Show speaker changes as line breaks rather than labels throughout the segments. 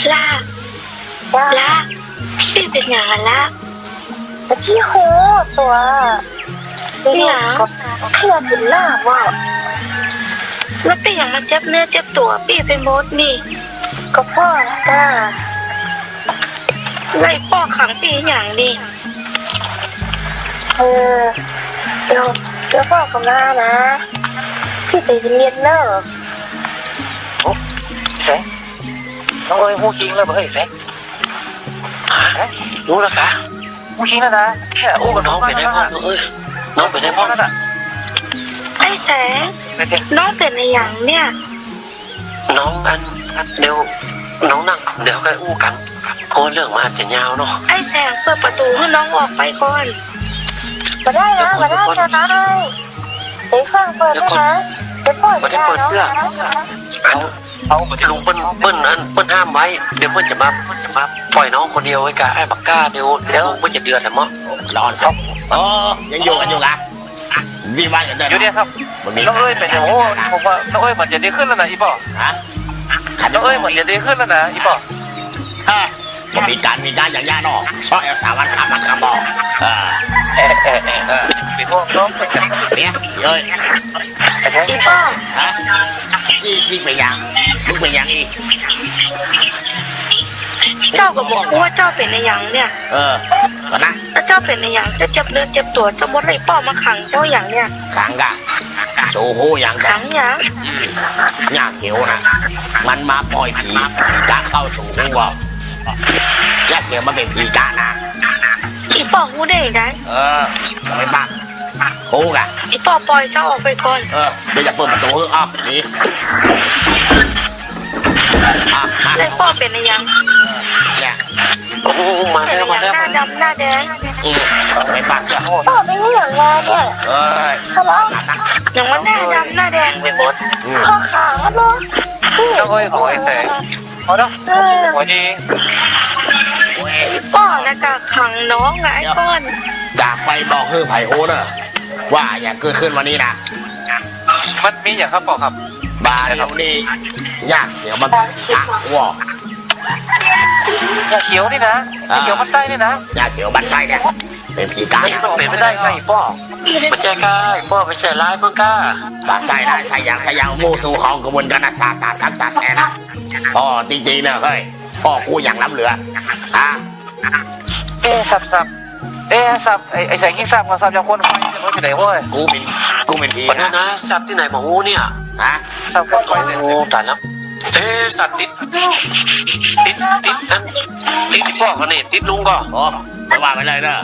ล่าล่าพี่เป็นอย่างไรล่ะ
ที่โหตัว
เนี่ย
เพื่อนเป็นล่าว่า
แล้วพี่อย่างมาเจ็บเนื้อเจ็บตัวพี่ไปหมดนี่
ก็พ่อจ้า
ไล่ป้อขังพี่อย่างนี่
เดี๋ยวพ่อกับน้านะพี่จะเย็นๆเนอะ
โอ้แสงน้องเอ้ยพูดจริงเลยเฮ้ยแสง
รู้แล้วค่ะ
พูดจริงแล้วนะ
โอ้น้องไปได้พ่อเอ้ยน้องไปได้พ่อ
ไอ้แสงน้องเป็นในอย่างเนี่ย
น้องเดี๋ยวน้องนั่งเดี๋ยวค่อยอู้กันเพราะเรื่องมาจะยาวเนาะ
ไอ้แสงเปิดประตูให้น้องออกไปก่อน
มาได้นะมาได้นะเดี๋ยวฟังเปิดนะเดี๋ยวพ่อจะ
เปิดเสื้อเอาลุงเปิ้ลห้ามไว้เดี๋ยวเปิ้ลจะมาปล่อยน้องคนเดียวไว้กับไอ้บักก้าเดี๋ยวลุงเปิ้ลจะเดือดมั้ง
ร้อนครับยังอยู่กันอยู่ละวีวันกันเดิน
อยู่เนี่ยครับน้องเอ้ยเป็นโอ้ผมว่าน้องเอ้ยเหมือนจะดีขึ้นแล้วนะอีป๋อน้องเอ้ยเหมือนจะดีขึ้นแล้วนะอีป๋อ
จะมีการอย่างย่าเนาะชอบเอาสาวันขับมันขับบอก
ปีพวกน้อง
เนี่ยเอ้ย
อีป้อ
ฮะพี่ไปยังลูกไปยังอีก
เจ้าก็บอกว่าเจ้าเป็นในอย่างเนี่ย
ก่อนนะ
แล้วเจ้าเป็นในอย่างจะเจ็บเนื้อเจ็บตัวจะมดไล่ป้อมาขังเจ้าอย่างเนี่ย
ขังกะโชว์โหอย่าง
ขังอย่าง
ยากเขียวนะมันมาปล่อยผีกะเข้าสู่หัวยากเขียวมันเป็นผีกะนะ
อีป้อหูได้ไง
ไม่บ้าโหกะ
อีป้อปล่อยเจ้าออกไปก่อน
เดี๋ยวจะเปิดประตูอ้อมนี่
ไล่ป้อเป็นในอย่าง
เนี่ย
โอ้มาแล้วห
น้าดำหน้าแดง
ไม่บ้าเจ้า
พ่อเป็นอย่างไรเนี่ยทะเลาะ
อย่างว่าหน้าดำหน้าแดงไปหมด
ข้อขาแล้วเนาะ
น้องเอ้ยของไอ้แสงพอแล้วหัวดี
ป้อนะกะขังน้องไงป้อน
จากไปบอกคือไผ่โอ้เนอะว่าอย่าเกิดขึ้นวันนี้นะ
มันมีอย่างครับป๋อครับ
บาเดี๋ยวนี้ยากเดี๋ยวมันยากวั
วยาเขียวนี่นะยาเขียวมันใต้นี่นะ
ยาเขียวมันใต้เนี่ยเป็นผีกา
มันเป็นไม่ได้ไงป้อมันแจกายป้อไปใส่ร้ายเพิ่งกล้า
ใส่ได้ใส่อย่างมูสู่ของกระบวนการศาสตร์ตาสักตัดแน่นะพ่อจริงๆเนี่ยเฮ้ยพ่อกูอย่างล้ำเหลือ
สับไอ้แสงยิ่งสับกับสับอย่างคนไฟจะรู้อยู่ไหนเว้ย
กูเป็นผี
นะสับที่ไหนมาหูเนี่ย
สับคนไฟ
โอ้ตายแล้วสัตว์ติดพ่อเขาเนี่ยติดลุงก็
ไม่ว่าไปเลยเนอะ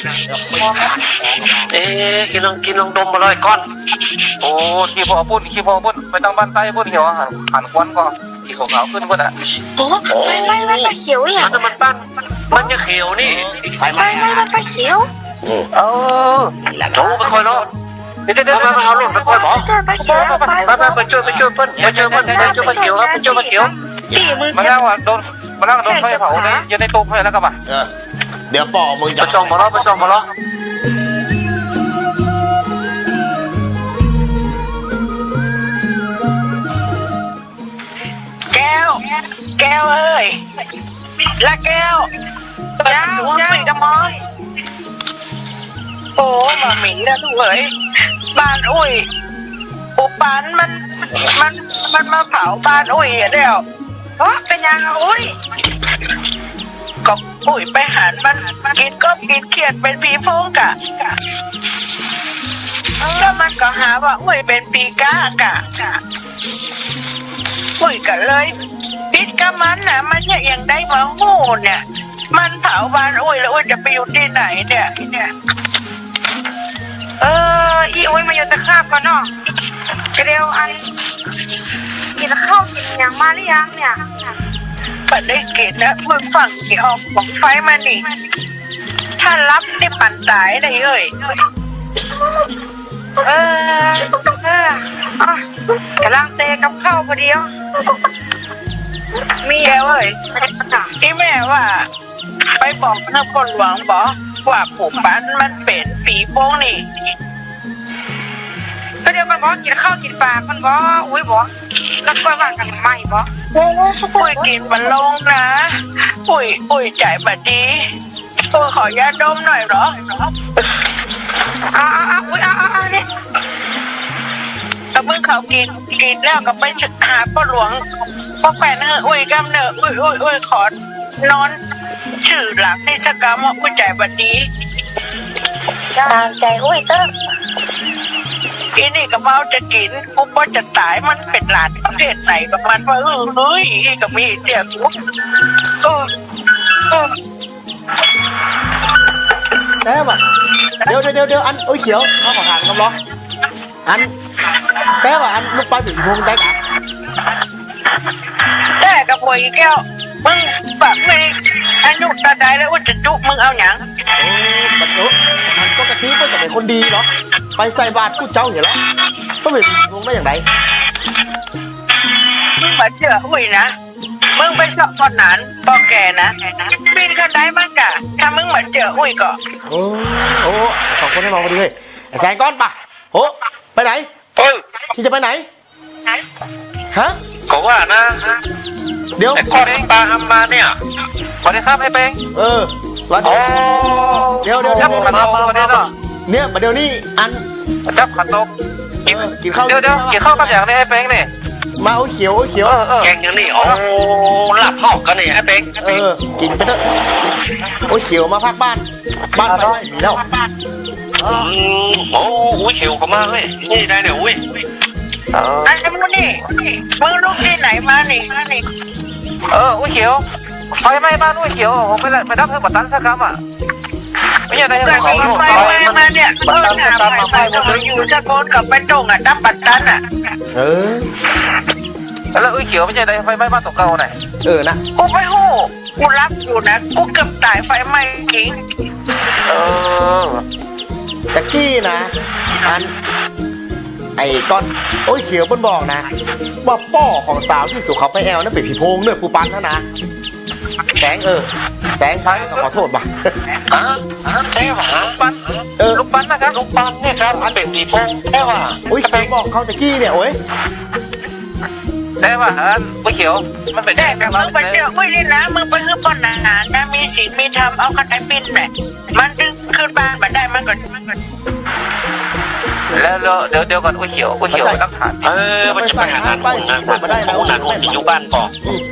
กินลองดมมาเลยก้อน
โอ้ขี้พอปุ้นไปตั้งบ้านใต้ปุ้นเขียวหันควันก็สีขาวขึ้นก็ได้
โอ้ไฟไหม้มันไฟเขียวอย่าง
มันปั้นมันจะเขียวนี่
ไฟไหม้มันไฟเขียว
โอ้ไปคอยรอเดี๋ยวมาเอาหล่นไปคอยหมอ
ไปเขียว
ไปช่วยเปิ้ลไปเขียว
ตีมือ
มาแล้วโดนไฟเผาเลยยืนในตู้ไฟแล้วก็มา
เดี๋ยวป่อมึงจะ
ไปช่องมาล้อ
แก้วเอ้ยละแก้วหัวปีกระมอนโอ้มาหมิ่นนะทุกเอ๋ยบ้านอุ้ยปุบปันมันมาเผาบ้านอุ้ยเดียวเป็นยังอุ้ยก็อุ้ยไปหันมันกินก็กินเขียดเป็นผีโพงกะแล้วมันก็หาว่าอุ้ยเป็นปีก้ากะอุ้ยก็เลยติดกับมันน่ะมันยังได้มาหูเนี่ยมันเผาบ้านอุ้ยแล้วอุ้ยจะไปอยู่ที่ไหนเนี่ย
อีอุ้ยมาอยู่ตะขาบก่อนเนาะเร็วอันกินข้าวกินอย่างมาหรือยังเนี่ย
ไม่ได้กินนะมึงฝั่งที่ออกของไฟมานี่ถ้ารับได้ปั่นตายได้เลย
กำลังเตะกับข้าวพอดี
มีแกเว้ยที่แม่ว่าไปบอกนายคนหลวงบอกว่าผูกปันมันเป็นผีโป้งนี่
ก็เดี๋ยวมันบอกกินข้าวกินปลามันบอกอุ้ยบอกแล้วก็ว่ากันไม่บ่
อุ้ยกินมันลงนะอุ้ยใจบัดดีตัวขอยาดมหน่อยเหรอ
อุ้ยเนี่ย
แต่เมื่อเขากินแล้วก็ไปหาพ่อหลวงพ่อแฟนอุ้ยกำเนิดอุ้ยขอนอนชื่อหลังนี่สักกรรมว่าอุ้ยใจบัดดี
ตามใจอุ้ยเติ้ง
อีนี่ก็เมาจะกินกูก็จะตายมันเป็นหลานประเทศไหนประมาณว่าเฮ้ยก็มีเสียกูเออ
แต่ว่าเดี๋ยวอันโอ้ยเขียวเขาขอทานคำร้องอันแต่ว่าอันลูกปลาถึงพงได้กะ
แต่กับพวกอีแก้วมึงแบบไม่อายุตาใดแล้วว่าจะจุมึงเอาหยัง
โอ้บัดเถอะมันปกติเพื่อนก็เป็นคนดีเนาะไปใส่บาตรกูเจ้าเห็นแล้วก็เป็นพงได้อย่างไร
มึงมาเจออุ้ยนะมึงไปสอบตอนนั้นปอแกนะปีนขึ้นได้มั้งกะถ้ามึงมาเจออุ้ยก็
โอ้สองคนให้มองพอดีเลยไอ้แสงก้อนปะโอ้ไปไหน
เอ้ย
ที่จะไปไหนฮะ
ก็ว่านะ
เดี๋ยว
ไอ้ก้อนมันปลาทำมาเนี่ย
สวัสดีครับไอ้เป้ง
สวัสดี
โอ้
เดี๋ยว
จับขันโตกวันนี้เนาะ
เนี่ยเดี๋ยวนี้อัน
จับขันโตกกิน
กินข้าว
เดี๋ยวกินข้าวกับอย่างนี้ไอ้เป้งนี่
มาโอ้ยเขียว
แกงอย่างนี้โอ้หลับหอกกันนี่ไอ้เป็ง
กินไปเถอะโอ้ยเขียวมาพักบ้านไปไม่มีแล้ว
โอ้อุ้ยเขียวก็มาเฮ้ยนี่ได้เนี่ยอุ้ย
ไอ้มึงนี่มึงลูกที่ไหนมานี่
อุ้ยเขียวไฟไหม้บ้านอุ้ยเขียวผมไปรับเธอบัตรตันสักคำอ่ะไม่ใช่ได้
ก็
ยังไง
มีไฟมาเนี่ยเออถามไฟก็อยู่สะโกนกับไปตรงอ่ะตั้มปัดตันอ่ะ
แล้วอุ้ยเขียวไม่ใช่ได้ไฟไหม้บ้านตกเก่าไหน
นะ
กูไม่หู้กูรับอยู่นะกูเกือบตายไฟไหม้กิ้ง
ตะกี้นะอันไอ้ก้อนโอ้ยเขียวบนบอกนะว่าป้อของสาวที่สุเขาไปแอลนั่นเป็นผีโพงเนื้อปูปันนะแสงแสงขอโทษป่ะ
ฮะแต่ว่า
ปั้นลูกปั้นนะครับ
ลูกปั้นเนี่ยครับมันเป็นผีโพงแต่ว่า
โอ้ยเขียวบอกเขาตะกี้เนี่ยโอ้ย
แต่ว่าอุ้ยเขียวมันเป็น
แต่กับมึงไปเจอไม่เลยนะมึงไปคือปนอาหารนะมีศีลมีธรรมเอาคันไอปินเนี่ยมันจึงขึ้นบ้านมาได้มันก็
แล้วเดี๋ยวก่อนอุ้ยเขียวตั้งฐาน
มันจะไปหานานอุ่นนะคู่นานอุ่นอยู่บ้านก่อน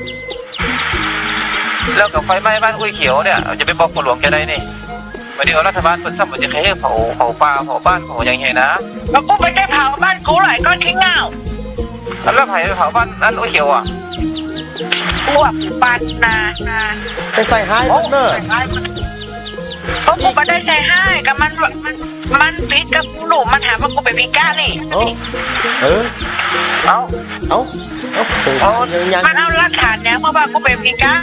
แล้วกับไฟไหม้บ้านอุ้ยเขียวเนี่ยจะไปบอกหลวงแกได้นี่วันนี้รัฐบาลเปิดซ้ำมันจะแค่เผาป่าเผาบ้านเผาอย่างเงี้ยนะ
แล้วกูไปได้เผาบ้านกูหลายก้อนขี้เงา
แล้วไผ่เผาบ้านนั้นอุ้ยเขียวอ่ะ
พวกปันนา
ไปใส่ไฮพวกเนอร์
เพราะกูไม่ได้ใช้ให้กับมันพิษกับกูหนูมันถามว่ากูเป็นพิก้านี่
เอา
สื่อยัง
มันเอาหลักฐานเนี่ยเมื่อวานกูเป็นพิก้า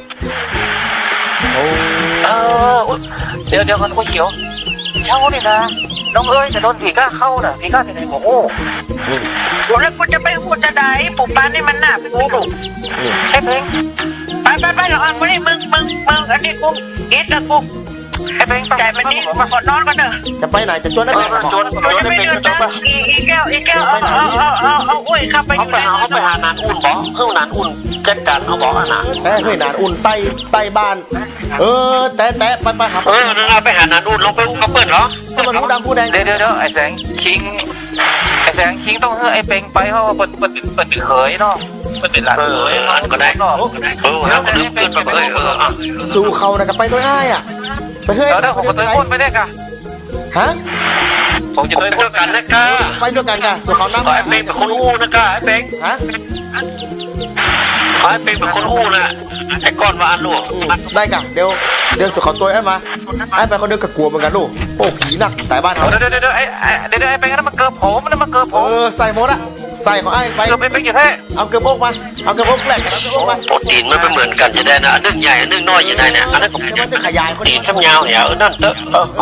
เดี๋ยวก่อนอุ้ยเขียวเช่านี่นะน้องเอ้ยจะโดนผีก้าเข้าน่ะผีก้าที่ไหนโอ้โห
แล้วกูจะไปหูจะได้ปู่ป้านี่มันหนากูหนู
ไอ้เพลง
ไปเราอันวันนี้มึงอันนี้กูอิดแล้วกู
ไอ้เพลง
ใจมันนี่ขอนอนก่อนเถอะ
จะไปไหนจะชวนได้ไหม
จน
กูจะ
ได้
ไป
เป็น
เดิน
จน
นะ
ปะ
อีแก้วเอาอุ้ยเข้าไปอยู่
เขาไปหานานอุ่นบอกเพื่อนานอุ่นจัดการเอาบอกอ่ะนะ
แต่เฮ้ยนานอุ่นใต้บ้านแต่ไปหา
นั่นไปหานานอุ่นลงไปอุ้มกระเปิดเหรอ
ก็มันผู้ดำผู้แดง
เดี๋ยวไอ้แสงคิงต้องให้ไอ้เพลงไปเพราะว่าเปิดเขยเนาะเปิดเป็นหลานเขย
ก็ได้แล้วก็ลืมเพื่อนไปอ่ะ
สู่เขานะกับไปตัวอ้ายอ่ะไปเฮ้ย
แล้วผมก็ตัวพ่นไปได้กะ
ฮะ
ผมจะ
ไป
ตัว
พูดกันนะก้า
ไปด้วยกันกันสู่เขาน้ำ
ไอ้เป็งเป็นคนอู้นะก้าไอ้เป็ง
ฮะ
ไอ้เป็งเป็นคนอู้นะไอ้ก้อนว่าอันลูก
ได้กันเดี๋ยวสู่เขาตัวไอ้มาไอ้ไปคนเดียวกับกลัวเหมือนกันลูกโอ้ผีหนักแต่บ้านเขา
เดี๋ยวไอ้เพลงนั้นมันเกิดผม
ใส่หมดอะใส่ของไอ้ไป
เกิดเป็นอยู่แท้
เอาเกลือโป๊กมาเอาเกลือโป๊กแหลกเอาเกลือโป๊กมา
โปรตีนมันไม่เหมือนกันจะได้นะอันนึงใหญ่อันนึงน้อยจะได้เนี่ยอันนั้น
มันจะขยาย
ตีนช้ำยาวเนี่ยนั่นเตอะ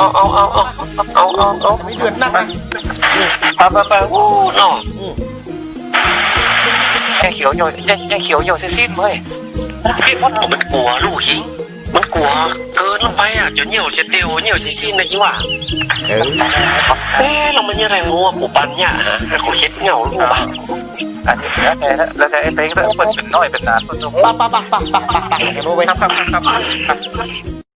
เอา
ไม่เดือดนักนะ
ไปอู้น้อง
แค่เขียวอยู่สิ้นเว้ย
มันกลัวลูกหิงมันกลัวเกินลงไปอ่ะจะเหี่ยวจะเตียวเหี่ยวจะชิ้นนะยิ่งว่าเรามันยังไงงัวปูปันเนี่ยฮะเขาเค็ดเงาลูกบ้าง
อันนี้แล้วแต่ไอ้เพลงแล้วเปิดเป็นน้อยเป็นนานเปิดตัว
ปะกันโว้ย
ครับ